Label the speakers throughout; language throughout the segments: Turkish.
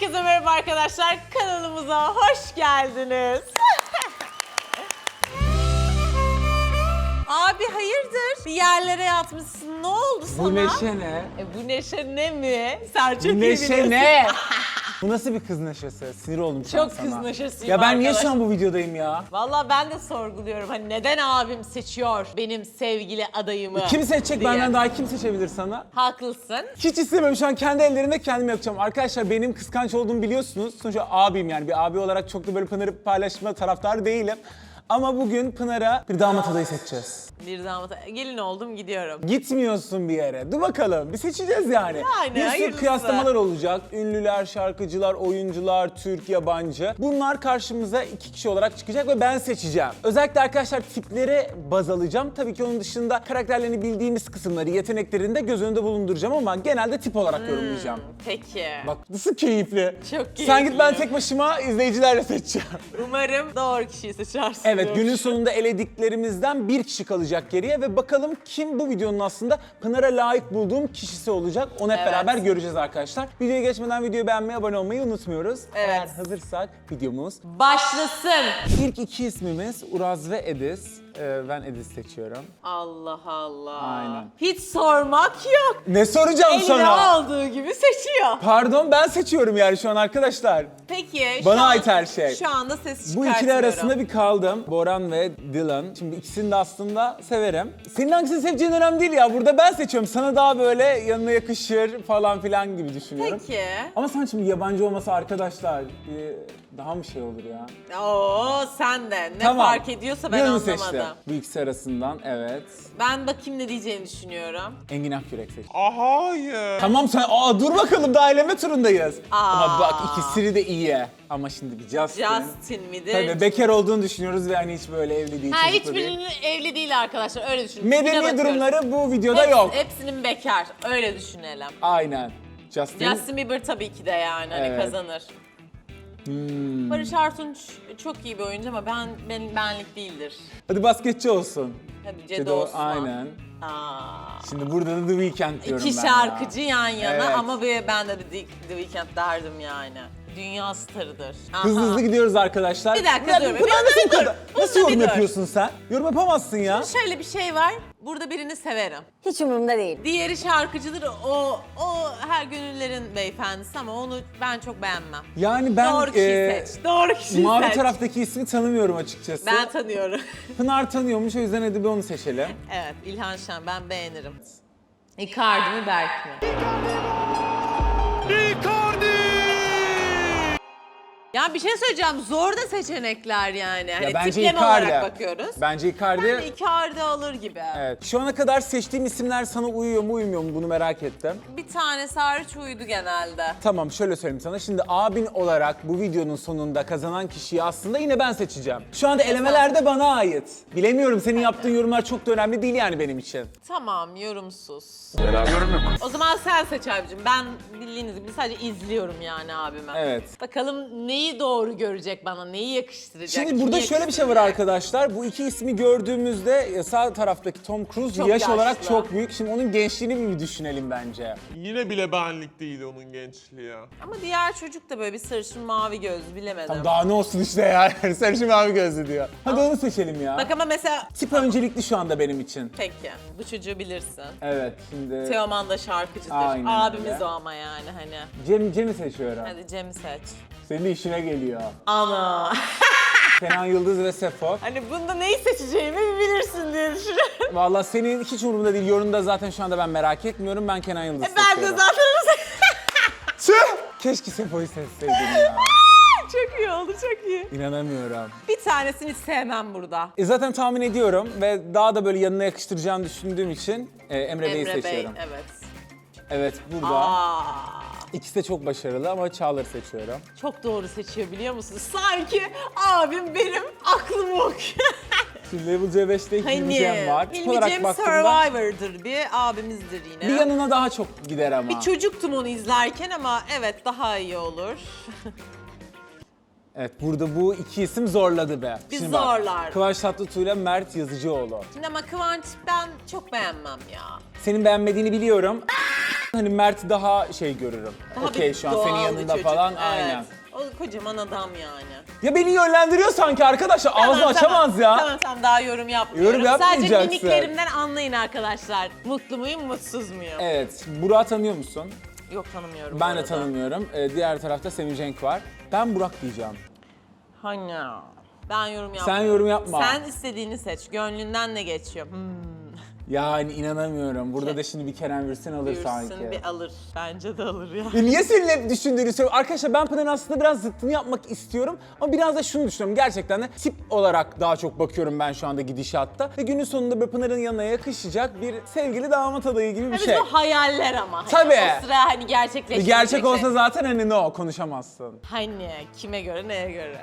Speaker 1: Herkese merhaba arkadaşlar, kanalımıza hoş geldiniz. Abi hayırdır? Bir yerlere yatmışsın, ne oldu sana?
Speaker 2: Bu neşe ne?
Speaker 1: Bu neşe ne mi? Sen çok
Speaker 2: Bu
Speaker 1: iyi
Speaker 2: neşe
Speaker 1: biliyorsun.
Speaker 2: ne? Bu nasıl bir kız neşesi? Sinir oldum şu an
Speaker 1: Çok
Speaker 2: sana.
Speaker 1: kız neşesiyim
Speaker 2: Ya ben niye
Speaker 1: arkadaş.
Speaker 2: şu an bu videodayım ya?
Speaker 1: Vallahi ben de sorguluyorum. Hani neden abim seçiyor benim sevgili adayımı?
Speaker 2: Kim seçecek
Speaker 1: diye.
Speaker 2: benden daha kim seçebilir sana?
Speaker 1: Haklısın.
Speaker 2: Hiç istemiyorum, şu an kendi ellerimle kendim yapacağım. Arkadaşlar benim kıskanç olduğumu biliyorsunuz. Sonuçta abim, yani bir abi olarak çok da böyle Pınar'ı paylaşma taraftarı değilim. Ama bugün Pınar'a bir damat adayı seçeceğiz.
Speaker 1: Bir damat, gelin oldum gidiyorum.
Speaker 2: Gitmiyorsun bir yere. Dur bakalım, bir seçeceğiz yani.
Speaker 1: Yani,
Speaker 2: Bir sürü
Speaker 1: hayırlısı.
Speaker 2: kıyaslamalar olacak. Ünlüler, şarkıcılar, oyuncular, Türk, yabancı. Bunlar karşımıza 2 kişi olarak çıkacak ve ben seçeceğim. Özellikle arkadaşlar tipleri baz alacağım. Tabii ki onun dışında karakterlerini bildiğimiz kısımları, yeteneklerini de göz önünde bulunduracağım ama genelde tip olarak yorumlayacağım.
Speaker 1: Peki.
Speaker 2: Bak nasıl keyifli.
Speaker 1: Çok
Speaker 2: Sen git, ben
Speaker 1: keyifli.
Speaker 2: tek başıma izleyicilerle seçeceğim.
Speaker 1: Umarım doğru kişiyi seçersin.
Speaker 2: Evet, günün sonunda elediklerimizden bir kişi kalacak geriye ve bakalım kim bu videonun aslında Pınar'a layık bulduğum kişisi olacak. Onu hep
Speaker 1: Evet.
Speaker 2: beraber göreceğiz arkadaşlar. Videoya geçmeden videoyu beğenmeyi, abone olmayı unutmuyoruz.
Speaker 1: Evet.
Speaker 2: Eğer hazırsak videomuz.
Speaker 1: Başlasın.
Speaker 2: İlk iki ismimiz Uraz ve Ediz. Ben Ediz seçiyorum.
Speaker 1: Allah Allah.
Speaker 2: Aynen.
Speaker 1: Hiç sormak yok.
Speaker 2: Ne soracağım
Speaker 1: Eline
Speaker 2: sana?
Speaker 1: aldığı gibi seçiyor.
Speaker 2: Pardon, ben seçiyorum yani şu an arkadaşlar.
Speaker 1: Peki.
Speaker 2: Bana
Speaker 1: şu an-
Speaker 2: ait her şey.
Speaker 1: Şu anda ses
Speaker 2: Bu
Speaker 1: çıkartmıyorum.
Speaker 2: ikili arasında bir kaldım. Boran ve Dylan. Şimdi ikisini de aslında severim. Senin hangisini seveceğin önemli değil ya. Burada ben seçiyorum. Sana daha böyle yanına yakışır falan filan gibi düşünüyorum.
Speaker 1: Peki.
Speaker 2: Ama sen şimdi yabancı olması arkadaşlar daha mı şey olur ya?
Speaker 1: Oo sen de. Ne
Speaker 2: Tamam.
Speaker 1: fark ediyorsa ben
Speaker 2: Dylan'ı
Speaker 1: anlamadım.
Speaker 2: seçtim. Bu ikisi arasından evet.
Speaker 1: Ben bakayım ne diyeceğini düşünüyorum.
Speaker 2: Engin Akyürek seçtim.
Speaker 3: Hayır.
Speaker 2: Tamam sen dur bakalım, daha eleme turundayız. Ama bak
Speaker 1: Aa.
Speaker 2: ikisi de iyi. Ama şimdi bir Justin.
Speaker 1: Justin midir?
Speaker 2: Tabii bekar olduğunu düşünüyoruz ve hani hiç böyle evli değil.
Speaker 1: Ha,
Speaker 2: çocuklu değil.
Speaker 1: hiçbirinin evli değil arkadaşlar, öyle düşünün.
Speaker 2: Medeni
Speaker 1: Tipine bakıyoruz.
Speaker 2: durumları bu videoda yok.
Speaker 1: Hepsinin bekar, öyle düşünelim.
Speaker 2: Aynen. Justin.
Speaker 1: Justin Bieber tabii ki de yani hani
Speaker 2: Evet.
Speaker 1: kazanır.
Speaker 2: Hmm.
Speaker 1: Barış Artunç çok iyi bir oyuncu ama benlik değildir.
Speaker 2: Hadi basketçi olsun.
Speaker 1: Hadi Cedo Osman.
Speaker 2: Aynen.
Speaker 1: Aa.
Speaker 2: Şimdi burada da The Weeknd diyorum
Speaker 1: İki
Speaker 2: ben
Speaker 1: şarkıcı
Speaker 2: ya.
Speaker 1: yan yana
Speaker 2: Evet.
Speaker 1: ama ben de The Weeknd derdim yani. Dünya starıdır. Aha.
Speaker 2: Hızlı hızlı gidiyoruz arkadaşlar.
Speaker 1: Bir dakika, dur.
Speaker 2: Pınar
Speaker 1: Bir
Speaker 2: nasıl bu
Speaker 1: dur.
Speaker 2: kadar? Nasıl
Speaker 1: Bunda bir
Speaker 2: yorum
Speaker 1: dur.
Speaker 2: yapıyorsun sen? Yorum yapamazsın ya.
Speaker 1: Şöyle bir şey var. Burada birini severim.
Speaker 4: Hiç umurumda değil.
Speaker 1: Diğeri şarkıcıdır. O her gönüllerin beyefendisi ama onu ben çok beğenmem.
Speaker 2: Yani ben
Speaker 1: Doğru kişiyi seç. Doğru kişiyi
Speaker 2: mavi
Speaker 1: seç.
Speaker 2: taraftaki ismi tanımıyorum açıkçası.
Speaker 1: Ben tanıyorum.
Speaker 2: Pınar tanıyormuş, o yüzden hadi bir onu seçelim.
Speaker 1: Evet, İlhan Şen, ben beğenirim. Icardi mi, Berk mi? Ya bir şey söyleyeceğim, zor da seçenekler yani. Hani
Speaker 2: bence
Speaker 1: tipleme
Speaker 2: Icardi.
Speaker 1: olarak bakıyoruz.
Speaker 2: Bence Icardi.
Speaker 1: Ben de Icardi alır gibi.
Speaker 2: Evet. Şu ana kadar seçtiğim isimler sana uyuyor mu uymuyor mu bunu merak ettim.
Speaker 1: Bir tanesi hariç uydu genelde.
Speaker 2: Tamam, şöyle söyleyeyim sana. Şimdi abin olarak bu videonun sonunda kazanan kişiyi aslında yine ben seçeceğim. Şu anda elemelerde bana ait. Bilemiyorum, senin yaptığın yorumlar çok da önemli değil yani benim için.
Speaker 1: Tamam, yorumsuz. O zaman sen seç abicim. Ben bildiğiniz gibi sadece izliyorum yani abime.
Speaker 2: Evet.
Speaker 1: Bakalım neyi doğru görecek bana, neyi yakıştıracak.
Speaker 2: Şimdi burada
Speaker 1: kimi
Speaker 2: şöyle bir şey var
Speaker 1: yakıştıracak?
Speaker 2: arkadaşlar. Bu iki ismi gördüğümüzde sağ taraftaki Tom Cruise
Speaker 1: Çok
Speaker 2: yaş
Speaker 1: yaşlı.
Speaker 2: olarak çok büyük. Şimdi onun gençliğini bir düşünelim bence.
Speaker 3: Yine bile benlik değil onun gençliği ya.
Speaker 1: Ama diğer çocuk da böyle bir sarışın mavi gözlü, bilemedim.
Speaker 2: Tamam, daha ne olsun işte yani. Sarışın mavi gözlü diyor. Hadi onu seçelim ya.
Speaker 1: Bak ama mesela...
Speaker 2: Tip öncelikli şu anda benim için.
Speaker 1: Peki, bu çocuğu bilirsin.
Speaker 2: Evet, şimdi
Speaker 1: Teoman da şarkıcıdır.
Speaker 2: Aynen
Speaker 1: Abimiz
Speaker 2: öyle.
Speaker 1: o ama yani hani.
Speaker 2: Cem'i seçiyorum.
Speaker 1: Hadi Cem'i seç.
Speaker 2: Senin de işine geliyor.
Speaker 1: Ana.
Speaker 2: Kenan Yıldız ve Sefo.
Speaker 1: Hani bunda neyi seçeceğimi bilirsin diye düşünüyorum.
Speaker 2: Vallahi senin hiç umurumda değil. Yorumda zaten şu anda ben merak etmiyorum. Ben Kenan Yıldız
Speaker 1: Ben de
Speaker 2: seçiyorum.
Speaker 1: zaten
Speaker 2: Tüh! Keşke Sefo'yu seçseydim ya.
Speaker 1: çok iyi oldu, çok iyi.
Speaker 2: İnanamıyorum.
Speaker 1: Bir tanesini hiç sevmem burada.
Speaker 2: Zaten tahmin ediyorum ve daha da böyle yanına yakıştıracağını düşündüğüm için Emre Bey'i
Speaker 1: Emre Bey,
Speaker 2: seçiyorum.
Speaker 1: evet.
Speaker 2: Evet, burada.
Speaker 1: Aa,
Speaker 2: İkisi de çok başarılı ama Çağlar'ı seçiyorum.
Speaker 1: çok doğru seçiyor biliyor musunuz? Sanki abim benim aklımı okuyor.
Speaker 2: Şimdi Level C5'te
Speaker 1: Hani
Speaker 2: Cem var. Tip
Speaker 1: Hilmi
Speaker 2: olarak
Speaker 1: Cem
Speaker 2: baktığımda
Speaker 1: Survivor'dır bir abimizdir yine.
Speaker 2: bir yanına daha çok gider ama.
Speaker 1: Bir çocuktum onu izlerken ama evet daha iyi olur.
Speaker 2: Evet, burada bu iki isim zorladı be.
Speaker 1: Bir
Speaker 2: Şimdi bak,
Speaker 1: zorlar.
Speaker 2: Kıvanç Tatlıtuğ ile Mert Yazıcıoğlu.
Speaker 1: Şimdi ama Kıvanç ben çok beğenmem ya.
Speaker 2: Senin beğenmediğini biliyorum. Hani Mert'i daha şey görürüm.
Speaker 1: Daha
Speaker 2: Okey
Speaker 1: bir
Speaker 2: şu an senin
Speaker 1: doğal bir
Speaker 2: yanında
Speaker 1: çocuk.
Speaker 2: falan
Speaker 1: Evet.
Speaker 2: aynen.
Speaker 1: O kocaman adam yani.
Speaker 2: Ya beni yönlendiriyor sanki arkadaşlar. Ağzını açamaz ya.
Speaker 1: Tamam daha yorum yapmıyorum.
Speaker 2: Yorum yapmayacaksın.
Speaker 1: Sadece mimiklerimden anlayın arkadaşlar. Mutlu muyum, mutsuz muyum?
Speaker 2: Evet. Burak'ı tanıyor musun?
Speaker 1: Yok tanımıyorum bu
Speaker 2: Ben de
Speaker 1: arada.
Speaker 2: tanımıyorum. Diğer tarafta Semih Cenk var. Ben Burak diyeceğim.
Speaker 1: Hani ben yorum yapmıyorum.
Speaker 2: Sen yorum yapma.
Speaker 1: Sen istediğini seç. Gönlünden ne geçiyor?
Speaker 2: Yani inanamıyorum. Burada da şimdi bir Kerem Bürsin alır sanki.
Speaker 1: Bürsin bir alır. Bence de alır ya.
Speaker 2: Ya niye senin hep düşündüğünü söylüyorum? Arkadaşlar ben Pınar'ın aslında biraz zıttını yapmak istiyorum. Ama biraz da şunu düşünüyorum. Gerçekten de tip olarak daha çok bakıyorum ben şu anda gidişatta. Ve günün sonunda böyle Pınar'ın yanına yakışacak bir sevgili damat adayı gibi bir
Speaker 1: Bizim
Speaker 2: şey.
Speaker 1: hayaller ama. Hani
Speaker 2: Tabii.
Speaker 1: O sıra hani gerçekleşecek.
Speaker 2: Gerçek olsa zaten hani no konuşamazsın.
Speaker 1: Hani kime göre neye göre?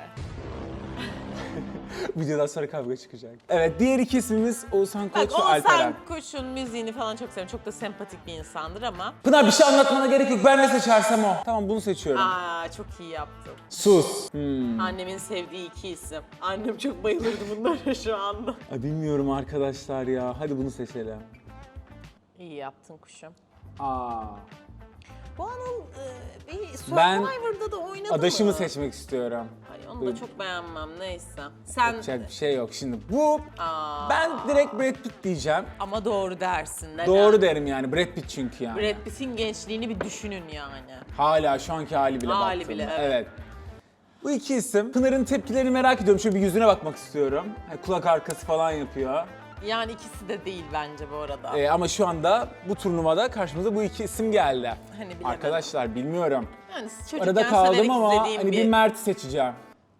Speaker 2: Videodan sonra kavga çıkacak. Evet diğer iki ismimiz Oğuzhan Koç
Speaker 1: Bak
Speaker 2: ve Alperen.
Speaker 1: Oğuzhan Koç'un müziğini falan çok seviyorum. Çok da sempatik bir insandır ama.
Speaker 2: Pınar bir şey anlatmana gerek yok. Ben ne seçersem o. Tamam bunu seçiyorum.
Speaker 1: Çok iyi yaptın.
Speaker 2: Sus.
Speaker 1: Annemin sevdiği iki isim. Annem çok bayılırdı bunlara şu anda.
Speaker 2: Ay, bilmiyorum arkadaşlar ya. Hadi bunu seçelim.
Speaker 1: İyi yaptın kuşum.
Speaker 2: Aa.
Speaker 1: Bu Anıl bir
Speaker 2: Ben
Speaker 1: Survivor'da da oynadı
Speaker 2: adaşımı
Speaker 1: mı?
Speaker 2: seçmek istiyorum.
Speaker 1: Ay onu da çok beğenmem neyse. Sen
Speaker 2: Yapacak bir şey yok şimdi. Bu
Speaker 1: Aa,
Speaker 2: ben direkt Brad Pitt diyeceğim.
Speaker 1: ama doğru dersin. Neden?
Speaker 2: Doğru derim yani. Brad Pitt çünkü yani.
Speaker 1: Brad Pitt'in gençliğini bir düşünün yani.
Speaker 2: Hala şu anki hali bile
Speaker 1: Hali
Speaker 2: baktım.
Speaker 1: bile, evet.
Speaker 2: Bu iki isim. Pınar'ın tepkilerini merak ediyorum. Şöyle bir yüzüne bakmak istiyorum. Hani kulak arkası falan yapıyor.
Speaker 1: Yani ikisi de değil bence bu arada.
Speaker 2: Ama şu anda bu turnuvada karşımıza bu iki isim geldi.
Speaker 1: Hani bilemedim.
Speaker 2: Arkadaşlar bilmiyorum.
Speaker 1: Yani çocukken
Speaker 2: Arada kaldım
Speaker 1: severek
Speaker 2: ama
Speaker 1: izlediğim
Speaker 2: hani bir Mert'i seçeceğim.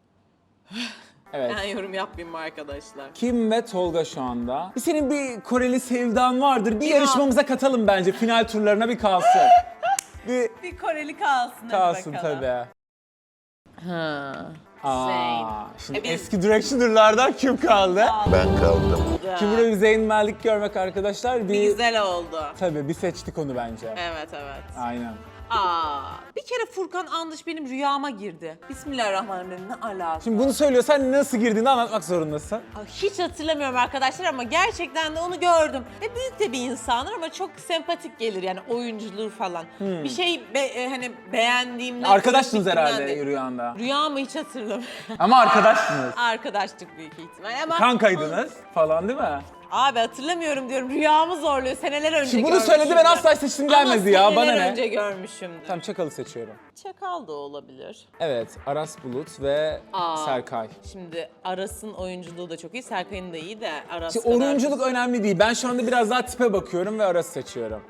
Speaker 2: Evet.
Speaker 1: Ben yorum yapmayayım mı arkadaşlar?
Speaker 2: Kim ve Tolga şu anda. Senin bir Koreli sevdan vardır. Bir
Speaker 1: Ya.
Speaker 2: yarışmamıza katalım bence. Final turlarına bir kalsın.
Speaker 1: Bir Koreli kalsın hadi
Speaker 2: Kalsın
Speaker 1: bakalım.
Speaker 2: tabii.
Speaker 1: Ha.
Speaker 2: Aa, şimdi
Speaker 1: biz-
Speaker 2: eski Directioner'lardan kim kaldı?
Speaker 4: Ben kaldım.
Speaker 2: Şimdi burada bir Zeyn Malik görmek arkadaşlar.
Speaker 1: Bir güzel oldu.
Speaker 2: Tabii bir seçtik onu bence.
Speaker 1: Evet evet.
Speaker 2: Aynen.
Speaker 1: Bir kere Furkan Andış benim rüyama girdi. Bismillahirrahmanirrahim ne alaka?
Speaker 2: Şimdi bunu söylüyorsan nasıl girdiğini anlatmak zorundasın.
Speaker 1: Hiç hatırlamıyorum arkadaşlar ama gerçekten de onu gördüm. Ve büyük de bir insandır ama çok sempatik gelir yani oyunculuğu falan. Bir şey hani beğendiğimden...
Speaker 2: Arkadaşsınız
Speaker 1: fikrimden
Speaker 2: herhalde
Speaker 1: de-
Speaker 2: rüyanda.
Speaker 1: Rüyamı hiç hatırlamıyorum.
Speaker 2: Ama arkadaşsınız.
Speaker 1: Arkadaşlık büyük ihtimal ama...
Speaker 2: Kankaydınız falan değil mi?
Speaker 1: Abi hatırlamıyorum diyorum. Rüyamı zorluyor. Seneler önce
Speaker 2: Şimdi bunu söyledi ben asla seçtim gelmedi ya.
Speaker 1: Ama
Speaker 2: Bana
Speaker 1: seneler
Speaker 2: ne?
Speaker 1: önce görmüşümdür.
Speaker 2: Tamam Çakal'ı seçiyorum.
Speaker 1: Çakal da olabilir.
Speaker 2: Evet Aras Bulut ve Serkay.
Speaker 1: Şimdi Aras'ın oyunculuğu da çok iyi. Serkay'ın da iyi de Aras
Speaker 2: Şimdi
Speaker 1: kadar-
Speaker 2: oyunculuk önemli değil. Ben şu anda biraz daha tipe bakıyorum ve Aras'ı seçiyorum.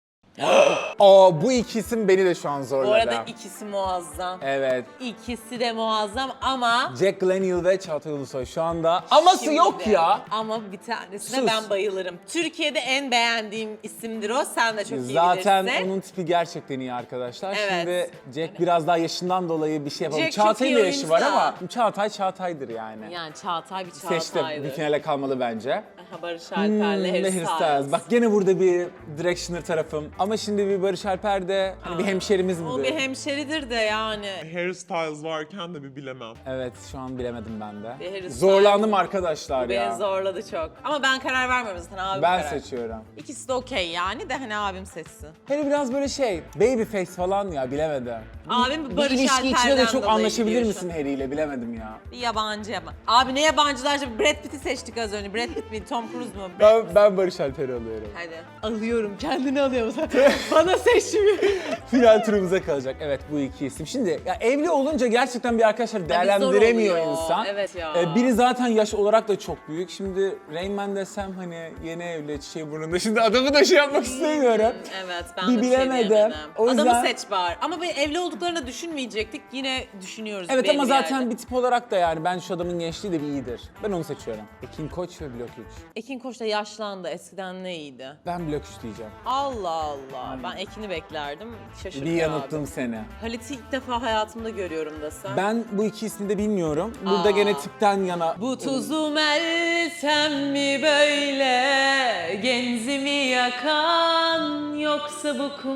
Speaker 2: Bu iki isim beni de şu an zorladı.
Speaker 1: Bu arada ikisi muazzam.
Speaker 2: Evet.
Speaker 1: İkisi de muazzam ama...
Speaker 2: Jack Glenhill ve Çağatay Ulusoy şu anda. Aması
Speaker 1: Şimdi
Speaker 2: yok
Speaker 1: de-
Speaker 2: ya.
Speaker 1: Ama bir tanesine
Speaker 2: Sus.
Speaker 1: ben bayılırım. Türkiye'de en beğendiğim isimdir o. Sen de çok iyi
Speaker 2: Zaten
Speaker 1: bilirsin.
Speaker 2: onun tipi gerçekten iyi arkadaşlar.
Speaker 1: Evet.
Speaker 2: Şimdi Jack biraz daha yaşından dolayı bir şey yapalım.
Speaker 1: Jack çok
Speaker 2: Çağatay'ın
Speaker 1: iyi
Speaker 2: da yaşı var
Speaker 1: oyuncu
Speaker 2: ama
Speaker 1: da.
Speaker 2: Çağatay'dır yani.
Speaker 1: Yani Çağatay bir
Speaker 2: Seçtim.
Speaker 1: Çağatay'dı.
Speaker 2: Bir finale kalmalı bence.
Speaker 1: Aha, Barış Alper'le Harry
Speaker 2: Harry
Speaker 1: Styles.
Speaker 2: Styles. Bak gene burada bir Directioner tarafım. Ama şimdi bir Barış Alper de hani bir hemşerimiz gibi.
Speaker 1: O bir hemşeridir de yani.
Speaker 3: Harry Styles varken de bir bilemem.
Speaker 2: Evet şu an bilemedim ben de.
Speaker 1: Bir Harry Styles.
Speaker 2: Zorlandım arkadaşlar
Speaker 1: Beni
Speaker 2: ya.
Speaker 1: zorladı çok. Ama ben karar vermiyorum zaten abim
Speaker 2: Ben
Speaker 1: karar.
Speaker 2: seçiyorum.
Speaker 1: İkisi de okey yani de hani abim seçsin.
Speaker 2: Hele biraz böyle baby face falan ya bilemedim.
Speaker 1: Abim
Speaker 2: Bir
Speaker 1: Barış
Speaker 2: ilişki içinde de
Speaker 1: Alper'den
Speaker 2: çok
Speaker 1: dolayı
Speaker 2: anlaşabilir
Speaker 1: gidiyor
Speaker 2: misin Harry ile bilemedim ya.
Speaker 1: Bir yabancı yabancı. Abi ne yabancılar şimdi? Brad Pitt'i seçtik az önce. Brad Pitt mi? Tom Cruise mu?
Speaker 2: Ben Barış Alper'i alıyorum.
Speaker 1: Hadi. Alıyorum. Kendini alıyorum. Bana seçmiyor.
Speaker 2: Final turumuza kalacak. Evet bu iki isim. Şimdi ya evli olunca gerçekten bir arkadaşlar değerlendiremiyor
Speaker 1: oluyor.
Speaker 2: insan.
Speaker 1: Evet ya.
Speaker 2: Biri zaten yaş olarak da çok büyük. Şimdi Rain Man desem hani yeni evli çiçeği burnunda. Şimdi adamı da şey yapmak istemiyorum.
Speaker 1: Evet ben
Speaker 2: Bir
Speaker 1: de bir şey
Speaker 2: bilemedim.
Speaker 1: diyemedim.
Speaker 2: O yüzden-
Speaker 1: Adamı seç bari. Ama bir evli olduklarını düşünmeyecektik. Yine düşünüyoruz.
Speaker 2: Evet
Speaker 1: belli
Speaker 2: ama
Speaker 1: bir
Speaker 2: zaten
Speaker 1: yerde.
Speaker 2: bir tip olarak da yani ben şu adamın gençliği de bir iyidir. Ben onu seçiyorum. Ekin Koç ve Blok 3.
Speaker 1: Ekin Koç da yaşlandı. Eskiden ne iyiydi?
Speaker 2: Ben Blok 3 diyeceğim.
Speaker 1: Allah Allah. Ben Ekin'i beklerdim. Şaşırdım
Speaker 2: Bir yanılttım
Speaker 1: abi.
Speaker 2: seni.
Speaker 1: Halit'i ilk defa hayatımda görüyorum desem.
Speaker 2: Ben bu iki ismi de bilmiyorum. Burada gene tipten yana...
Speaker 1: Bu tuzu meltem mi böyle genzimi yakan yoksa bu kum mu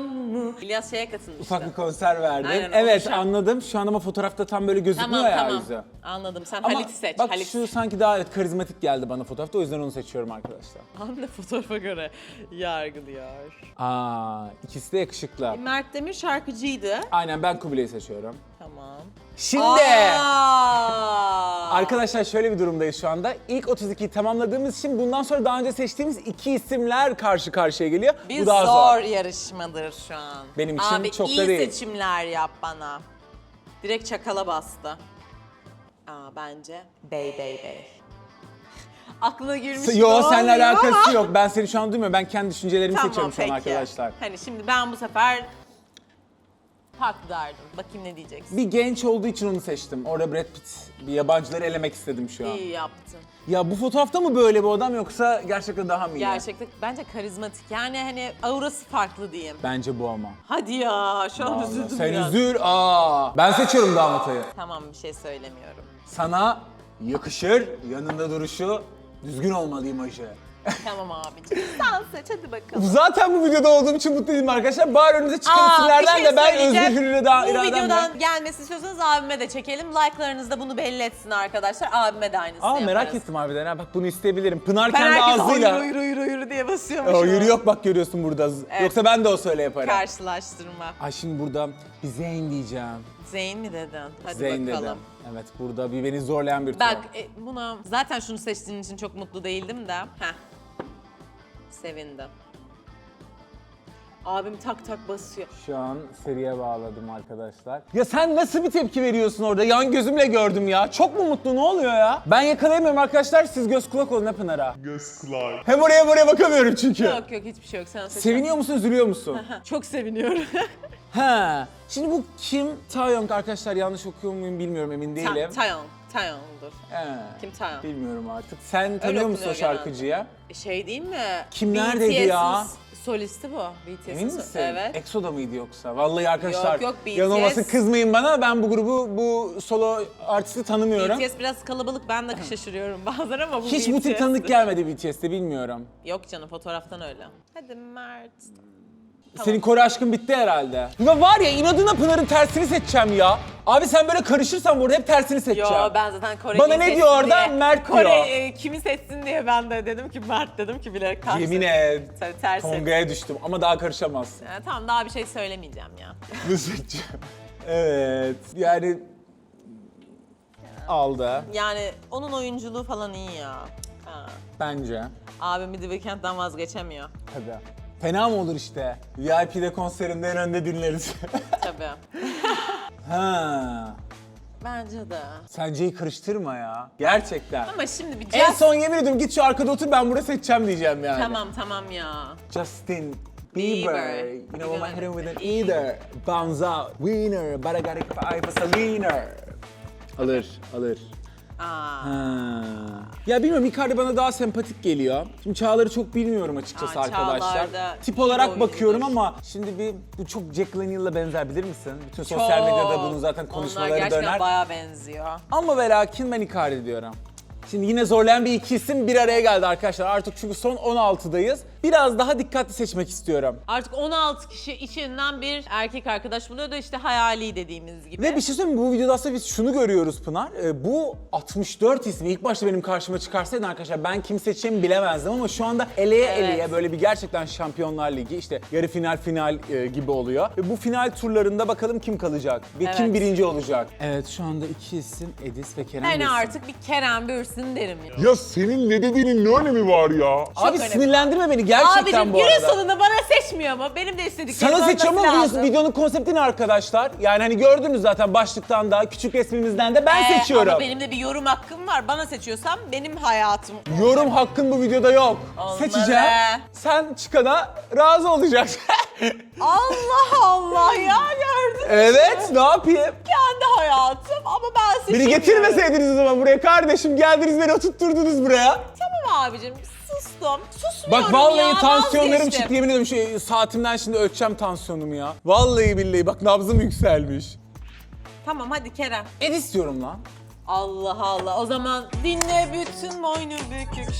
Speaker 1: İlyas şeye katılmıştı.
Speaker 2: Ufak bir konser verdim.
Speaker 1: Aynen,
Speaker 2: Evet
Speaker 1: onu
Speaker 2: anladım. Şu an ama fotoğrafta tam böyle gözükmüyor ya yüzü.
Speaker 1: Anladım. Sen
Speaker 2: Ama
Speaker 1: Halit'i seç.
Speaker 2: bak
Speaker 1: Halit.
Speaker 2: şu sanki daha evet karizmatik geldi bana fotoğrafta. O yüzden onu seçiyorum arkadaşlar.
Speaker 1: Anne fotoğrafa göre yargılıyor.
Speaker 2: İkisi de yakışıklı.
Speaker 1: Mert Demir şarkıcıydı.
Speaker 2: Aynen ben Kubilay'ı seçiyorum.
Speaker 1: Tamam.
Speaker 2: Şimdi
Speaker 1: Aa!
Speaker 2: arkadaşlar şöyle bir durumdayız şu anda. İlk 32'yi tamamladığımız için bundan sonra daha önce seçtiğimiz iki isimler karşı karşıya geliyor.
Speaker 1: Bir
Speaker 2: Bu daha
Speaker 1: zor
Speaker 2: zor.
Speaker 1: yarışmadır şu an.
Speaker 2: Benim için
Speaker 1: Abi,
Speaker 2: çok da
Speaker 1: iyi
Speaker 2: değil.
Speaker 1: seçimler yap bana. Direkt çakala bastı. Bence bey. Aklına girmiş gibi
Speaker 2: Yo seninle
Speaker 1: olmuyor ama-
Speaker 2: alakası yok. Ben seni şu an duymuyorum. Ben kendi düşüncelerimi
Speaker 1: Tamam
Speaker 2: seçiyorum şu an
Speaker 1: peki.
Speaker 2: arkadaşlar.
Speaker 1: Hani şimdi ben bu sefer farklı derdim. Bakayım ne diyeceksin.
Speaker 2: Bir genç olduğu için onu seçtim. Orada Brad Pitt. Bir yabancıları elemek istedim şu an.
Speaker 1: İyi yaptın.
Speaker 2: Ya bu fotoğrafta mı böyle bir adam yoksa gerçekten daha mı iyi?
Speaker 1: Gerçekten bence karizmatik. Yani hani aurası farklı diyeyim.
Speaker 2: Bence bu ama.
Speaker 1: Hadi ya şu an
Speaker 2: Vallahi
Speaker 1: üzüldüm
Speaker 2: sen
Speaker 1: biraz.
Speaker 2: üzül. Ben seçiyorum damatayı.
Speaker 1: Tamam bir şey söylemiyorum.
Speaker 2: Sana yakışır, yanında duruşu, düzgün olmalı imajı.
Speaker 1: Tamam abicim. Sen seç hadi bakalım.
Speaker 2: Zaten bu videoda olduğum için mutluyum arkadaşlar. Bari önümüze çıkan isimlerden
Speaker 1: bir şey
Speaker 2: de ben
Speaker 1: söyleyeceğim.
Speaker 2: özgür hürriyet
Speaker 1: Bu
Speaker 2: irademle.
Speaker 1: videodan gelmesini istiyorsanız abime de çekelim. Like'larınız da bunu belli etsin arkadaşlar. Abime de aynısını yaparız.
Speaker 2: Merak ettim harbiden ha. Bak bunu isteyebilirim. Pınar
Speaker 1: Ben
Speaker 2: kendi
Speaker 1: herkes
Speaker 2: ağzıyla.
Speaker 1: yürü diye basıyormuşum.
Speaker 2: Yürü yok bak görüyorsun burada. Yoksa ben de o söyle yaparım.
Speaker 1: Karşılaştırma.
Speaker 2: Ay şimdi burada bir Zeyn diyeceğim.
Speaker 1: Zeyn mi dedin? Hadi
Speaker 2: Zeyn
Speaker 1: bakalım.
Speaker 2: dedim. Evet burada bir beni zorlayan bir
Speaker 1: Bak
Speaker 2: tuhaf.
Speaker 1: buna zaten şunu seçtiğin için çok mutlu değildim de. Sevindim. Abim tak tak basıyor.
Speaker 2: Şu an seriye bağladım arkadaşlar. Ya sen nasıl bir tepki veriyorsun orada? Yan gözümle gördüm ya. Çok mu mutlu? Ne oluyor ya? Ben yakalayamıyorum arkadaşlar. Siz göz kulak olun hep Pınar'a.
Speaker 3: Göz kulağı.
Speaker 2: Hem oraya buraya bakamıyorum çünkü.
Speaker 1: Yok hiçbir şey yok. Sen seç.
Speaker 2: Seviniyor musun, üzülüyor musun?
Speaker 1: Çok seviniyorum.
Speaker 2: Ha. Şimdi bu Kim Taeyong arkadaşlar yanlış okuyor muyum bilmiyorum emin değilim.
Speaker 1: Taeyong'dur.
Speaker 2: He.
Speaker 1: Kim Taeyong?
Speaker 2: Bilmiyorum artık. Sen tanıyor musun o
Speaker 1: okunuyor
Speaker 2: şarkıcıya?
Speaker 1: Şey değil mi?
Speaker 2: Kim neredeydi ya?
Speaker 1: Solisti bu. BTS'in
Speaker 2: Emin misin?
Speaker 1: Evet.
Speaker 2: EXO'da mıydı yoksa? Vallahi arkadaşlar
Speaker 1: Yok, BTS.
Speaker 2: yanılmasın kızmayın bana. Ben bu grubu, bu solo artisti tanımıyorum.
Speaker 1: BTS biraz kalabalık. Ben de şaşırıyorum bazen ama bu
Speaker 2: Hiç bu tip
Speaker 1: BTS.
Speaker 2: tanıdık gelmedi BTS'te bilmiyorum.
Speaker 1: Yok canım fotoğraftan öyle. Hadi Mert.
Speaker 2: Senin Kore aşkın bitti herhalde. Ya var ya inadına Pınar'ın tersini seçeceğim ya. Abi sen böyle karışırsan burada hep tersini seçeceğim.
Speaker 1: Yo ben zaten Kore'yi
Speaker 2: Bana ne
Speaker 1: seçsin
Speaker 2: diyor orada?
Speaker 1: diye.
Speaker 2: Mert
Speaker 1: Kore,
Speaker 2: diyor.
Speaker 1: kimi seçsin diye ben de dedim ki Mert dedim ki bilerek ters
Speaker 2: Yemin
Speaker 1: seç.
Speaker 2: et.
Speaker 1: Tabii ters seç.
Speaker 2: Tonga'ya düştüm ama daha karışamazsın.
Speaker 1: Tamam daha bir şey söylemeyeceğim ya.
Speaker 2: Ne seçeceğim? Evet. Yani aldı
Speaker 1: Yani onun oyunculuğu falan iyi ya. Ha.
Speaker 2: bence.
Speaker 1: Abim bir The Weeknd'den vazgeçemiyor.
Speaker 2: Tabii. Fena mı olur işte? VIP'de konserinde en önde dinleriz.
Speaker 1: Tabii.
Speaker 2: Ha.
Speaker 1: Bence de.
Speaker 2: Senceyi karıştırma ya. Gerçekten.
Speaker 1: Ama şimdi bir
Speaker 2: En son yemin ediyorum git şu arkada otur ben burada seçeceğim diyeceğim yani.
Speaker 1: Tamam ya.
Speaker 2: Justin
Speaker 1: Bieber.
Speaker 2: Bieber. You know what I'm hitting with an either. Bounce out. Winner. But I gotta keep an eye for Selena. Alır. Ha. Ya bilmiyorum Icardi bana daha sempatik geliyor. Şimdi Çağlar'ı çok bilmiyorum açıkçası arkadaşlar.
Speaker 1: Çağlar da
Speaker 2: Tip
Speaker 1: iyi
Speaker 2: olarak
Speaker 1: oyuncudur.
Speaker 2: bakıyorum ama şimdi bu çok Jack Laniel'la benzer bilir misin? Bütün sosyal medyada bunun zaten konuşmaları
Speaker 1: Onlar gerçekten
Speaker 2: döner.
Speaker 1: bayağı benziyor.
Speaker 2: Ama ve lakin ben Icardi diyorum. Şimdi yine zorlayan bir iki isim bir araya geldi arkadaşlar. Artık çünkü son 16'dayız. Biraz daha dikkatli seçmek istiyorum.
Speaker 1: Artık 16 kişi içinden bir erkek arkadaş buluyor da işte hayali dediğimiz gibi.
Speaker 2: Ve bir şey söyleyeyim mi? Bu videoda aslında biz şunu görüyoruz Pınar. Bu 64 ismi ilk başta benim karşıma çıkarsaydı arkadaşlar ben kim seçeceğimi bilemezdim ama şu anda eleye böyle bir gerçekten Şampiyonlar Ligi işte yarı final gibi oluyor. Ve bu final turlarında bakalım kim kalacak ve kim birinci olacak. Evet şu anda iki isim Edis ve Kerem
Speaker 1: Ben
Speaker 2: Bürsin.
Speaker 1: artık bir Kerem Bürsin derim ya.
Speaker 3: Ya senin ne dediğinin ne önemi var ya?
Speaker 2: Abi
Speaker 1: önemli.
Speaker 2: sinirlendirme beni gerçekten
Speaker 1: Abicim
Speaker 2: bu
Speaker 1: günün
Speaker 2: arada.
Speaker 1: sonunda bana seçmiyor ama benim de istediklerim
Speaker 2: Sana seçiyorum ama
Speaker 1: lazım.
Speaker 2: videonun konsepti ne arkadaşlar? Yani hani gördünüz zaten başlıktan da küçük resmimizden de ben seçiyorum.
Speaker 1: Ama benim de bir yorum hakkım var. Bana seçiyorsam benim hayatım.
Speaker 2: Yorum hakkın bu videoda yok.
Speaker 1: Olmalı.
Speaker 2: Seçeceğim. Sen çıkana razı olacaksın.
Speaker 1: Allah ya gördün.
Speaker 2: Evet ne yapayım?
Speaker 1: Kendi hayatım ama ben
Speaker 2: Beni
Speaker 1: seçemiyorum.
Speaker 2: getirmeseydiniz o zaman buraya kardeşim. Geldiniz beni oturtturdunuz buraya.
Speaker 1: Tamam abicim sustum. Susmuyorum
Speaker 2: Bak vallahi
Speaker 1: ya,
Speaker 2: tansiyonlarım
Speaker 1: vazgeçtim.
Speaker 2: çıktı yemin ediyorum saatimden şimdi ölçeceğim tansiyonumu ya. Vallahi billahi bak nabzım yükselmiş.
Speaker 1: Tamam hadi Kerem.
Speaker 2: Edis diyorum lan.
Speaker 1: Allah Allah o zaman dinle bütün boynu bükük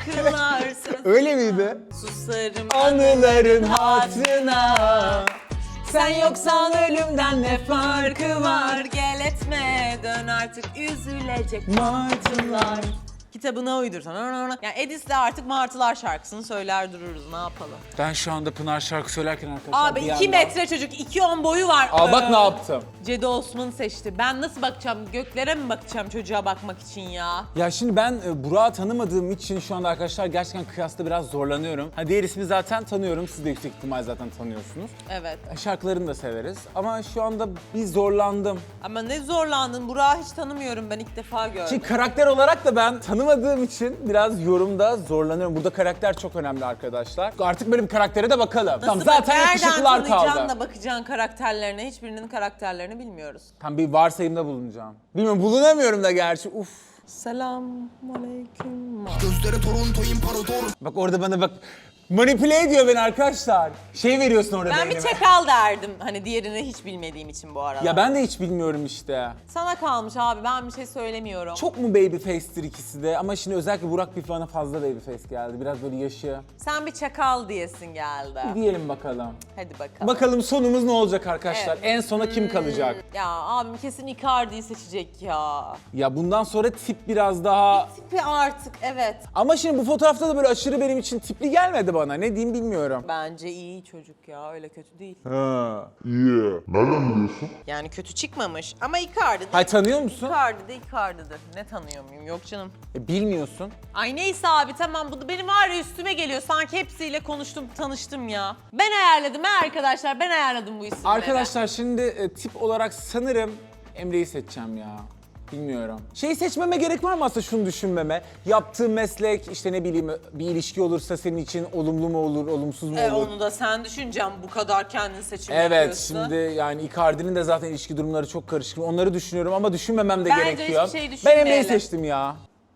Speaker 1: şarkılar.
Speaker 2: Öyle miydi?
Speaker 1: Susarım
Speaker 2: Anıların hatırına.
Speaker 1: Sen yoksan ölümden ne farkı var? Gel etme dön artık üzülecek martılar. Kitabına uydursan. Yani Edis'le artık Martılar şarkısını söyler dururuz, ne yapalım.
Speaker 2: Ben şu anda Pınar şarkı söylerken arkadaşlar
Speaker 1: Abi
Speaker 2: bir
Speaker 1: 2
Speaker 2: yandan-
Speaker 1: metre çocuk, 2.10 boyu var.
Speaker 2: Aa bak ne yaptım.
Speaker 1: Cedi Osman'ı seçti. Ben nasıl bakacağım? Göklere mi bakacağım çocuğa bakmak için ya?
Speaker 2: Ya şimdi ben Burak'ı tanımadığım için şu anda arkadaşlar gerçekten kıyasla biraz zorlanıyorum. Ha diğer ismi zaten tanıyorum. Siz de yüksek ihtimal zaten tanıyorsunuz.
Speaker 1: Evet.
Speaker 2: Şarkılarını da severiz. Ama şu anda bir zorlandım.
Speaker 1: Ama ne zorlandın? Burak'ı hiç tanımıyorum, ben ilk defa gördüm.
Speaker 2: Şimdi karakter olarak da ben tanımadığım için biraz yorumda zorlanıyorum. Burada karakter çok önemli arkadaşlar. Artık böyle bir karaktere de bakalım. Tamam, zaten yakışıklılar
Speaker 1: Nereden tanıyacaksın
Speaker 2: kaldı.
Speaker 1: da bakacaksın karakterlerine? Hiçbirinin karakterlerini bilmiyoruz.
Speaker 2: Tam bir varsayımda bulunacağım. Bilmiyorum, bulunamıyorum da gerçi. Uf.
Speaker 1: Selamünaleyküm.
Speaker 4: Gözleri Toronto imparator.
Speaker 2: Bak orada bana bak manipüle ediyor beni arkadaşlar. Şey veriyorsun orada
Speaker 1: Ben bir
Speaker 2: beynime.
Speaker 1: çakal derdim. Hani diğerini hiç bilmediğim için bu arada.
Speaker 2: Ya ben de hiç bilmiyorum işte.
Speaker 1: Sana kalmış abi, ben bir şey söylemiyorum.
Speaker 2: Çok mu babyface'tir ikisi de ama şimdi özellikle Burak bir bana fazla babyface geldi. Biraz böyle yaşı.
Speaker 1: Sen bir çakal diyesin geldi.
Speaker 2: Diyelim bakalım.
Speaker 1: Hadi bakalım.
Speaker 2: Bakalım sonumuz ne olacak arkadaşlar?
Speaker 1: Evet.
Speaker 2: En sona kim kalacak?
Speaker 1: Ya abim kesin Icardi'yi seçecek ya.
Speaker 2: Ya bundan sonra tip biraz daha...
Speaker 1: Tipi artık, evet.
Speaker 2: Ama şimdi bu fotoğrafta da böyle aşırı benim için tipli gelmedi bana. Ne diyeyim bilmiyorum.
Speaker 1: Bence iyi çocuk ya, öyle kötü değil.
Speaker 2: Ha.
Speaker 3: Yeah. Nereden biliyorsun?
Speaker 1: Yani kötü çıkmamış ama Icardi de
Speaker 2: Hay tanıyor musun?
Speaker 1: Icardi'dir. Ne tanıyor muyum? Yok canım.
Speaker 2: Bilmiyorsun.
Speaker 1: Ay neyse abi, tamam, bu da benim var ya üstüme geliyor. Sanki hepsiyle konuştum, tanıştım ya. Ben ayarladım arkadaşlar, ben ayarladım bu isimleri.
Speaker 2: Arkadaşlar şimdi tip olarak sanırım Emre'yi seçeceğim ya. Bilmiyorum. Şeyi seçmeme gerek var mı aslında, şunu düşünmeme? Yaptığın meslek, işte ne bileyim bir ilişki olursa senin için olumlu mu olur, olumsuz mu olur?
Speaker 1: Onu da sen düşüneceğim, bu kadar kendin seçim
Speaker 2: Evet,
Speaker 1: yapıyorsun.
Speaker 2: şimdi yani Icardi'nin de zaten ilişki durumları çok karışık. Onları düşünüyorum ama düşünmemem de
Speaker 1: Bence
Speaker 2: gerekiyor.
Speaker 1: hiçbir şey
Speaker 2: Ben
Speaker 1: düşünmeyelim.
Speaker 2: Emre'yi seçtim ya.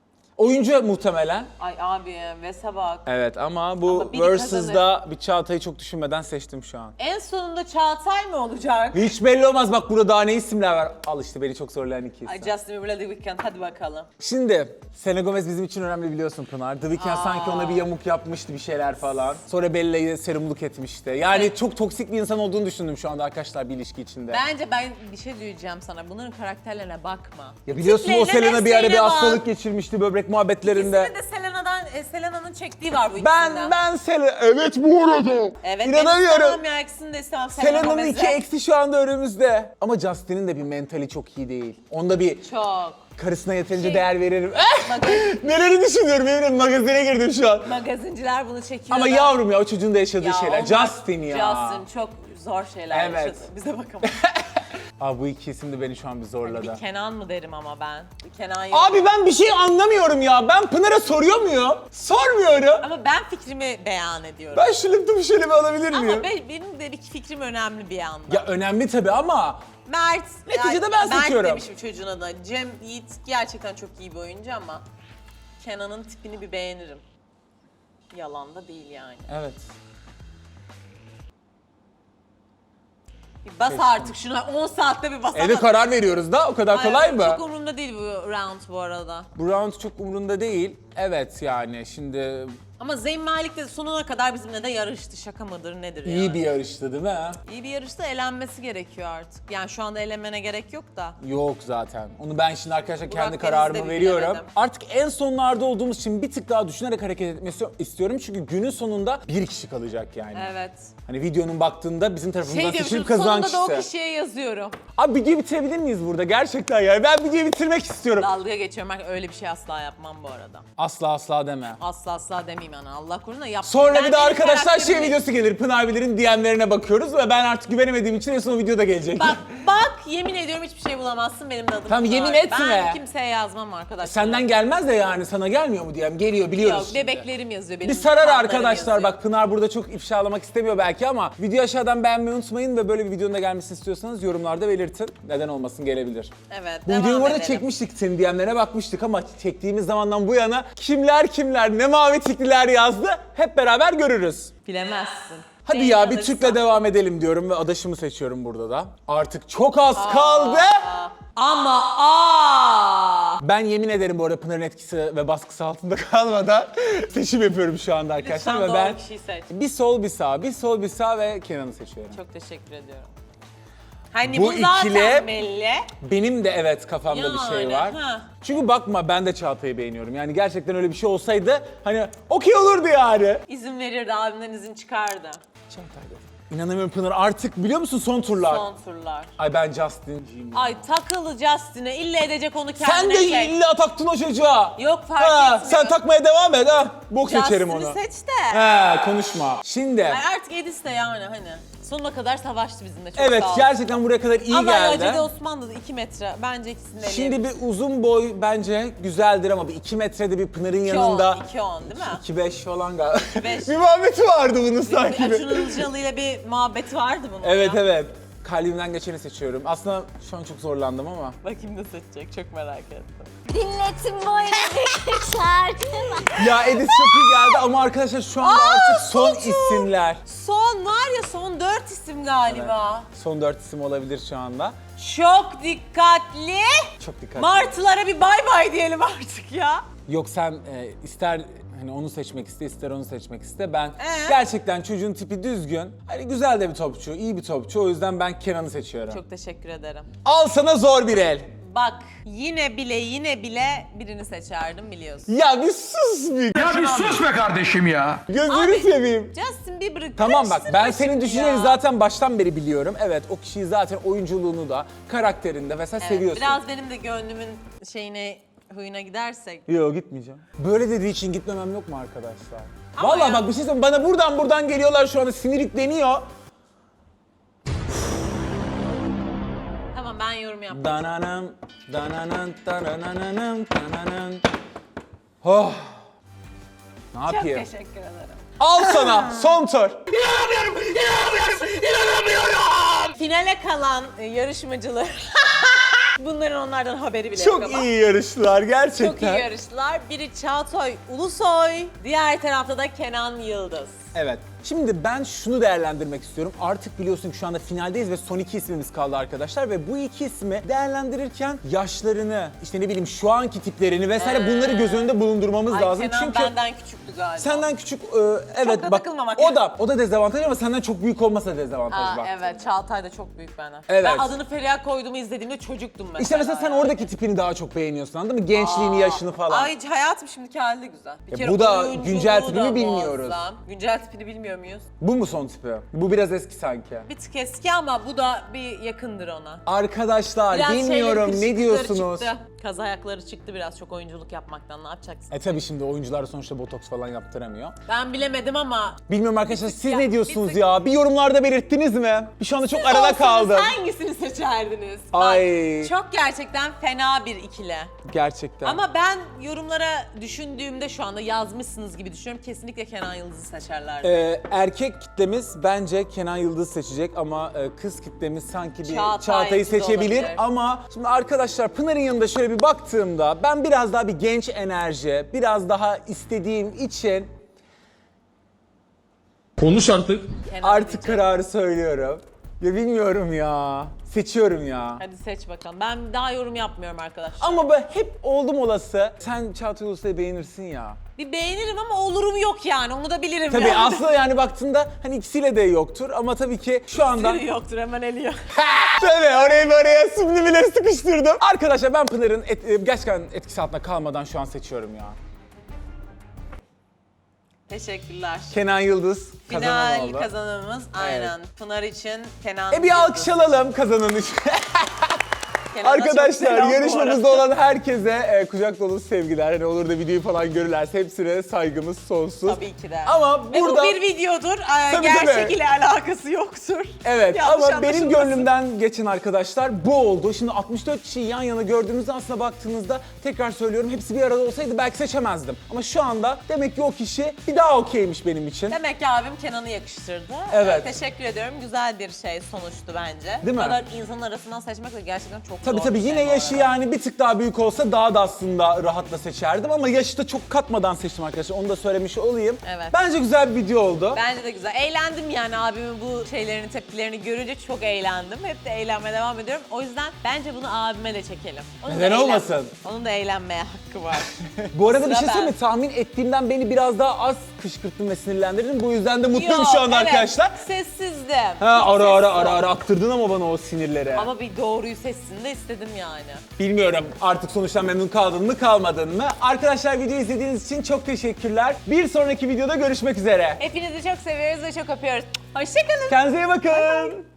Speaker 2: Oyuncu muhtemelen.
Speaker 1: Ay abi, Ves'e bak.
Speaker 2: Evet ama bu
Speaker 1: Ama biri
Speaker 2: Versus'da bir Çağatay'ı çok düşünmeden seçtim şu an.
Speaker 1: En sonunda Çağatay mı olacak?
Speaker 2: Hiç belli olmaz, bak burada daha ne isimler var. Al işte beni çok zorlayan iki
Speaker 1: Ay
Speaker 2: isim.
Speaker 1: Justin Bieber'la The Weeknd, hadi bakalım.
Speaker 2: Şimdi Selena Gomez bizim için önemli biliyorsun Pınar. The Weeknd sanki ona bir yamuk yapmıştı, bir şeyler falan. Sonra Bella'yı serumluk etmişti. Yani
Speaker 1: Evet.
Speaker 2: çok toksik bir insan olduğunu düşündüm şu anda arkadaşlar bir ilişki içinde.
Speaker 1: Bence ben bir şey diyeceğim sana, bunların karakterlerine bakma.
Speaker 2: Ya biliyorsun o
Speaker 1: Tiplerine,
Speaker 2: Selena bir ara bir
Speaker 1: mesleğine bak.
Speaker 2: hastalık geçirmişti böbrek muhabbetlerinde.
Speaker 1: İkisini de Selena'nın çektiği var bu ikisinden.
Speaker 2: Ben Selena...
Speaker 3: Evet bu arada.
Speaker 1: Evet,
Speaker 2: İnanamıyorum.
Speaker 1: ben istemem ya, ikisini de istemem.
Speaker 2: Selena'nın
Speaker 1: Gomez'i.
Speaker 2: iki eksi şu anda önümüzde. Ama Justin'in de bir mentali çok iyi değil. Onda bir
Speaker 1: Çok.
Speaker 2: karısına yeterince
Speaker 1: Şey-
Speaker 2: değer veririm.
Speaker 1: Magazin,
Speaker 2: Neleri düşünüyorum eminim, magazine girdim şu an.
Speaker 1: magazinciler bunu çekiyor.
Speaker 2: Ama
Speaker 1: da-
Speaker 2: yavrum ya, o çocuğun da yaşadığı
Speaker 1: Ya
Speaker 2: şeyler.
Speaker 1: onlar-
Speaker 2: Justin ya.
Speaker 1: Justin çok zor şeyler
Speaker 2: Evet.
Speaker 1: yaşadı. Bize bakalım.
Speaker 2: Abi bu iki isim de beni şu an bir zorladı.
Speaker 1: Bir Kenan mı derim ama ben. Bir Kenan yok.
Speaker 2: Abi ben bir şey anlamıyorum ya. Ben Pınar'a soruyor muyum? Sormuyorum.
Speaker 1: Ama ben fikrimi beyan ediyorum.
Speaker 2: Ben şu lütfu şöyle bir alabilir miyim?
Speaker 1: Ama benim de bir fikrim önemli bir anda.
Speaker 2: Ya önemli tabii ama
Speaker 1: Mert.
Speaker 2: Neticede ben seçiyorum.
Speaker 1: Mert demişim çocuğuna da. Cem Yiğit gerçekten çok iyi bir oyuncu ama Kenan'ın tipini bir beğenirim. Yalan da değil yani.
Speaker 2: evet.
Speaker 1: Bir bas artık şuna, 10 saatte bir basamadım.
Speaker 2: Evde karar veriyoruz da o kadar
Speaker 1: Ay,
Speaker 2: kolay mı?
Speaker 1: Çok umurumda değil bu round bu arada.
Speaker 2: Bu round çok umurunda değil. Evet yani şimdi
Speaker 1: Ama Zeyn Malik de sonuna kadar bizimle de yarıştı. Şaka mıdır nedir yani?
Speaker 2: iyi bir yarıştı değil mi?
Speaker 1: İyi bir yarışta elenmesi gerekiyor artık. Yani şu anda elenmene gerek yok da.
Speaker 2: Yok zaten. Onu ben şimdi arkadaşlar
Speaker 1: Burak
Speaker 2: kendi
Speaker 1: Deniz'de
Speaker 2: kararımı
Speaker 1: bir
Speaker 2: veriyorum.
Speaker 1: bilemedim.
Speaker 2: Artık en sonlarda olduğumuz için bir tık daha düşünerek hareket etmesi istiyorum. Çünkü günün sonunda bir kişi kalacak yani.
Speaker 1: Evet.
Speaker 2: Hani videonun baktığında bizim tarafımızdan
Speaker 1: Şey
Speaker 2: seçilip
Speaker 1: diyormuşum,
Speaker 2: kazanan
Speaker 1: sonunda da o
Speaker 2: kişi.
Speaker 1: kişiye yazıyorum.
Speaker 2: Abi videoyu bitirebilir miyiz burada? Gerçekten yani. Ben videoyu bitirmek istiyorum.
Speaker 1: Dalga geçiyorum. Ben öyle bir şey asla yapmam bu arada.
Speaker 2: Asla asla deme.
Speaker 1: Asla demeyeyim yani. Allah korusun da yap.
Speaker 2: Sonra
Speaker 1: Ben
Speaker 2: bir de
Speaker 1: benim
Speaker 2: arkadaşlar şey
Speaker 1: karakterimi-
Speaker 2: videosu gelir. Pınar Bilir'in DM'lerine bakıyoruz ve ben artık güvenemediğim için en son o videoda gelecek.
Speaker 1: Bak yemin ediyorum hiçbir şey bulamazsın, benim de adım
Speaker 2: Tamam,
Speaker 1: Pınar.
Speaker 2: yemin etme.
Speaker 1: Ben kimseye yazmam arkadaşlar.
Speaker 2: Senden gelmez de yani sana gelmiyor mu DM? Geliyor biliyoruz.
Speaker 1: Yok,
Speaker 2: şimdi.
Speaker 1: bebeklerim yazıyor benim.
Speaker 2: Bir sarar
Speaker 1: fanlarım
Speaker 2: arkadaşlar,
Speaker 1: yazıyor.
Speaker 2: bak Pınar burada çok ifşalamak istemiyor belki ama video aşağıdan beğenmeyi unutmayın ve böyle bir videonun da gelmesini istiyorsanız yorumlarda belirtin. Neden olmasın, gelebilir.
Speaker 1: Evet,
Speaker 2: Bu videoyu
Speaker 1: devam
Speaker 2: bu arada
Speaker 1: edelim.
Speaker 2: çekmiştik, senin DM'lerine bakmıştık ama çektiğimiz zamandan bu yana kimler ne mavi tikliler yazdı hep beraber görürüz.
Speaker 1: Bilemezsin.
Speaker 2: Hadi
Speaker 1: Zeyn
Speaker 2: ya bir
Speaker 1: alırsa.
Speaker 2: Türk'le devam edelim diyorum ve adaşımı seçiyorum burada da. Artık çok az kaldı.
Speaker 1: Ama
Speaker 2: Ben yemin ederim bu arada Pınar'ın etkisi ve baskısı altında kalmadan seçim yapıyorum şu anda arkadaşlar.
Speaker 1: Lütfen
Speaker 2: Ve ben
Speaker 1: doğru kişiyi seç.
Speaker 2: bir sol bir sağ, bir sol bir sağ ve Kenan'ı seçiyorum.
Speaker 1: Çok teşekkür ediyorum. Hani
Speaker 2: Bu
Speaker 1: bu zaten
Speaker 2: ikili-
Speaker 1: belli.
Speaker 2: Benim de evet kafamda bir şey
Speaker 1: Yani,
Speaker 2: var.
Speaker 1: ha.
Speaker 2: Çünkü bakma ben de Çağatay'ı beğeniyorum. Yani gerçekten öyle bir şey olsaydı hani okey olurdu yani.
Speaker 1: İzin verirdi, abimden izin çıkardı.
Speaker 2: Çağatay'da. İnanamıyorum Pınar artık biliyor musun son turlar?
Speaker 1: Son turlar.
Speaker 2: Ay ben Justin'ciyim.
Speaker 1: Ay takılı Justin'e, illa edecek onu
Speaker 2: Sen
Speaker 1: kendine
Speaker 2: de
Speaker 1: çek.
Speaker 2: illa taktın o çocuğa.
Speaker 1: Yok fark
Speaker 2: Ha,
Speaker 1: etmiyor.
Speaker 2: sen takmaya devam et ha. Bok seçerim
Speaker 1: Justin'i
Speaker 2: onu.
Speaker 1: seç de.
Speaker 2: He konuşma. Şimdi
Speaker 1: Ay artık Edis de yani hani. Sonuna kadar savaştı bizimle, çok
Speaker 2: evet
Speaker 1: sağ ol.
Speaker 2: gerçekten buraya kadar iyi
Speaker 1: Ama
Speaker 2: geldi.
Speaker 1: Acele Osman da 2 metre. Bence ikisini de
Speaker 2: Şimdi bir uzun boy bence güzeldir ama bir 2 metrede bir Pınar'ın yanında
Speaker 1: 2-10 değil mi?
Speaker 2: 2-5 falan galiba.
Speaker 1: 2-5.
Speaker 2: Bir muhabbeti vardı bunun sanki.
Speaker 1: Acun Ilıcalı ile bir muhabbeti vardı bunun
Speaker 2: Evet
Speaker 1: ya.
Speaker 2: evet. Kalbimden geçeni seçiyorum. Aslında şu an çok zorlandım ama.
Speaker 1: Bakayım ne seçecek, çok merak ettim.
Speaker 5: Dinletin bu evdeki şarkımı.
Speaker 2: Ya Edis çok iyi geldi ama arkadaşlar şu anda artık son isimler.
Speaker 1: Son var ya, son 4 isim galiba.
Speaker 2: Son 4 isim olabilir şu anda.
Speaker 1: Çok dikkatli.
Speaker 2: Çok dikkatli.
Speaker 1: Martılara bir bay bay diyelim artık ya.
Speaker 2: Yok sen ister hani onu seçmek iste, ister onu seçmek iste. Ben
Speaker 1: Ee?
Speaker 2: gerçekten çocuğun tipi düzgün. Hani güzel de bir topçu, iyi bir topçu. O yüzden ben Kenan'ı seçiyorum.
Speaker 1: Çok teşekkür ederim.
Speaker 2: Al sana zor bir el.
Speaker 1: Bak yine bile birini seçerdim biliyorsun.
Speaker 2: Ya bir sus bir.
Speaker 6: Ya bir sus be kardeşim ya.
Speaker 2: Gözünü
Speaker 1: Abi,
Speaker 2: seveyim.
Speaker 1: Justin Bieber'ı
Speaker 2: Tamam bak ben
Speaker 1: karıştırma
Speaker 2: senin
Speaker 1: şimdi
Speaker 2: düşüncelerini
Speaker 1: ya.
Speaker 2: zaten baştan beri biliyorum. Evet o kişiyi zaten oyunculuğunu da, karakterinde vesaire
Speaker 1: Evet,
Speaker 2: seviyorsun.
Speaker 1: biraz benim de gönlümün şeyine, huyuna gidersek.
Speaker 2: Yok gitmeyeceğim. Böyle dediği için gitmemem yok mu arkadaşlar?
Speaker 1: Ama
Speaker 2: Vallahi
Speaker 1: ya-
Speaker 2: bak bir şey söyleyeyim bana buradan geliyorlar şu anda sinir yükleniyor.
Speaker 1: Tamam ben yorum yaptım.
Speaker 2: Dananam, dananan, danananam, dananan. Oh. Ne
Speaker 1: Çok
Speaker 2: yapayım?
Speaker 1: teşekkür ederim.
Speaker 2: Al sana son tur.
Speaker 1: Finale kalan yarışmacılar. Bunların onlardan haberi bile yok
Speaker 2: Çok
Speaker 1: ama.
Speaker 2: iyi yarıştılar gerçekten.
Speaker 1: Çok iyi yarıştılar. Biri Çağatay Ulusoy, diğer tarafta da Kenan Yıldız.
Speaker 2: Evet. Şimdi ben şunu değerlendirmek istiyorum. Artık biliyorsun ki şu anda finaldeyiz ve son 2 ismimiz kaldı arkadaşlar. Ve bu 2 ismi değerlendirirken yaşlarını, işte ne bileyim şu anki tiplerini vesaire bunları göz önünde bulundurmamız
Speaker 1: Ay
Speaker 2: lazım.
Speaker 1: Kenan
Speaker 2: Çünkü
Speaker 1: benden küçüktü galiba.
Speaker 2: senden küçük, evet
Speaker 1: da
Speaker 2: bak
Speaker 1: takılmamak
Speaker 2: o da dezavantaj ama senden çok büyük olmasa dezavantaj
Speaker 1: Aa,
Speaker 2: bak.
Speaker 1: evet Çağatay da çok büyük benden.
Speaker 2: Evet.
Speaker 1: Ben adını Feriha koyduğumu izlediğimde çocuktum mesela.
Speaker 2: İşte mesela sen
Speaker 1: yani.
Speaker 2: oradaki tipini daha çok beğeniyorsun anladın mı? Gençliğini, yaşını falan.
Speaker 1: Ay hayatım şimdiki hali de güzel. Bir
Speaker 2: Ya
Speaker 1: kere
Speaker 2: bu da
Speaker 1: oyunculuğu
Speaker 2: güncel tipini
Speaker 1: da
Speaker 2: bilmiyoruz.
Speaker 1: muazzam. Güncel tipini bilmiyor muyuz?
Speaker 2: Bu mu son tipi? Bu biraz eski sanki.
Speaker 1: Bir tık eski ama bu da bir yakındır ona.
Speaker 2: Arkadaşlar
Speaker 1: Biraz
Speaker 2: bilmiyorum
Speaker 1: şeyleri,
Speaker 2: ne diyorsunuz?
Speaker 1: Çıktı. Kaz ayakları çıktı biraz çok oyunculuk yapmaktan, ne yapacaksın?
Speaker 2: Tabii şimdi oyuncular sonuçta botoks falan yaptıramıyor.
Speaker 1: Ben bilemedim ama
Speaker 2: Bilmiyorum arkadaşlar siz
Speaker 1: ya,
Speaker 2: ne
Speaker 1: bir
Speaker 2: diyorsunuz
Speaker 1: tık-
Speaker 2: ya? Bir yorumlarda belirttiniz mi? Şu anda çok arada
Speaker 1: olsanız
Speaker 2: kaldım.
Speaker 1: hangisini seçerdiniz?
Speaker 2: Ay.
Speaker 1: Bak, çok gerçekten fena bir ikili.
Speaker 2: Gerçekten.
Speaker 1: Ama ben yorumlara düşündüğümde şu anda yazmışsınız gibi düşünüyorum. Kesinlikle Kenan Yıldız'ı seçerlerdi.
Speaker 2: Erkek kitlemiz bence Kenan Yıldız seçecek ama kız kitlemiz sanki bir
Speaker 1: Çağatay
Speaker 2: Çağatay'ı
Speaker 1: Yıldız
Speaker 2: seçebilir.
Speaker 1: olabilir.
Speaker 2: Ama şimdi arkadaşlar Pınar'ın yanında şöyle bir baktığımda ben biraz daha bir genç enerji, biraz daha istediğim için
Speaker 6: Konuş artık.
Speaker 1: Kenan
Speaker 2: artık
Speaker 1: diyeceğim.
Speaker 2: kararı söylüyorum. Ya bilmiyorum ya. Seçiyorum ya.
Speaker 1: Hadi seç bakalım. Ben daha yorum yapmıyorum arkadaşlar.
Speaker 2: Ama ben hep oldum olası. Sen Çağatay Ulusoy'u beğenirsin ya.
Speaker 1: Bir beğenirim ama olurum yok yani. Onu da bilirim.
Speaker 2: Tabii
Speaker 1: yani.
Speaker 2: aslında yani baktığında hani ikisiyle de yoktur ama tabii ki şu anda...
Speaker 1: Sürü yoktur, hemen eliyor.
Speaker 2: Tabii oraya subliminali sıkıştırdım. Arkadaşlar ben Pınar'ın gerçekten etkisi altında kalmadan şu an seçiyorum ya.
Speaker 1: Teşekkürler.
Speaker 2: Kenan Yıldız kazanan
Speaker 1: Final
Speaker 2: oldu.
Speaker 1: kazanımız aynen. Pınar için Kenan
Speaker 2: Bir
Speaker 1: Yıldız.
Speaker 2: alkış alalım kazanan için.
Speaker 1: Kenan'a çok
Speaker 2: Arkadaşlar
Speaker 1: selam bu
Speaker 2: yarışmamızda
Speaker 1: arada.
Speaker 2: olan herkese kucak dolusu sevgiler. Hani olur da videoyu falan görürlerse hepsine saygımız sonsuz.
Speaker 1: Tabii ki de.
Speaker 2: Ama
Speaker 1: Ve
Speaker 2: burada...
Speaker 1: bu bir videodur.
Speaker 2: Tabii,
Speaker 1: Gerçek
Speaker 2: tabii.
Speaker 1: ile alakası yoktur.
Speaker 2: Evet
Speaker 1: Yanlış
Speaker 2: ama benim
Speaker 1: anlaşılmasın.
Speaker 2: gönlümden geçen arkadaşlar bu oldu. Şimdi 64 kişiyi yan yana gördüğümüzde aslında baktığınızda tekrar söylüyorum hepsi bir arada olsaydı belki seçemezdim. Ama şu anda demek ki o kişi bir daha okeymiş benim için.
Speaker 1: Demek ki abim Kenan'ı
Speaker 2: Evet.
Speaker 1: yakıştırdı. Teşekkür ediyorum. Güzel bir şey sonuçtu bence.
Speaker 2: Değil mi?
Speaker 1: Bu kadar insanın arasından seçmek de gerçekten çok
Speaker 2: Tabii
Speaker 1: Zor
Speaker 2: tabii
Speaker 1: bir şey
Speaker 2: yine
Speaker 1: bu
Speaker 2: yaşı
Speaker 1: arada.
Speaker 2: yani bir tık daha büyük olsa daha da aslında rahatla seçerdim ama yaşı da çok katmadan seçtim arkadaşlar. Onu da söylemiş olayım.
Speaker 1: Evet.
Speaker 2: Bence güzel bir video oldu.
Speaker 1: Bence de güzel. Eğlendim yani abimin bu şeylerini, tepkilerini görünce çok eğlendim. Hep de eğlenmeye devam ediyorum. O yüzden bence bunu abime de çekelim. Onun
Speaker 2: Neden
Speaker 1: da
Speaker 2: olmasın?
Speaker 1: Onun da eğlenmeye hakkı var.
Speaker 2: Bu arada bir
Speaker 1: Sıra
Speaker 2: şey söyleyeyim mi?
Speaker 1: ben.
Speaker 2: Tahmin ettiğimden beni biraz daha az kışkırttın ve sinirlendirdin. Bu yüzden de mutluyum
Speaker 1: Yok,
Speaker 2: şu anda
Speaker 1: evet,
Speaker 2: arkadaşlar.
Speaker 1: Sessizdim.
Speaker 2: Ha
Speaker 1: Çok
Speaker 2: ara ara
Speaker 1: sessiz
Speaker 2: ara
Speaker 1: ol.
Speaker 2: ara attırdın ama bana o sinirleri.
Speaker 1: Ama bir doğruyu seçsin de istedim yani.
Speaker 2: Bilmiyorum artık sonuçtan memnun kaldın mı kalmadın mı? Arkadaşlar videoyu izlediğiniz için çok teşekkürler. Bir sonraki videoda görüşmek üzere.
Speaker 1: Hepinizi çok seviyoruz ve çok öpüyoruz. Hoşçakalın.
Speaker 2: Kendinize iyi bakın.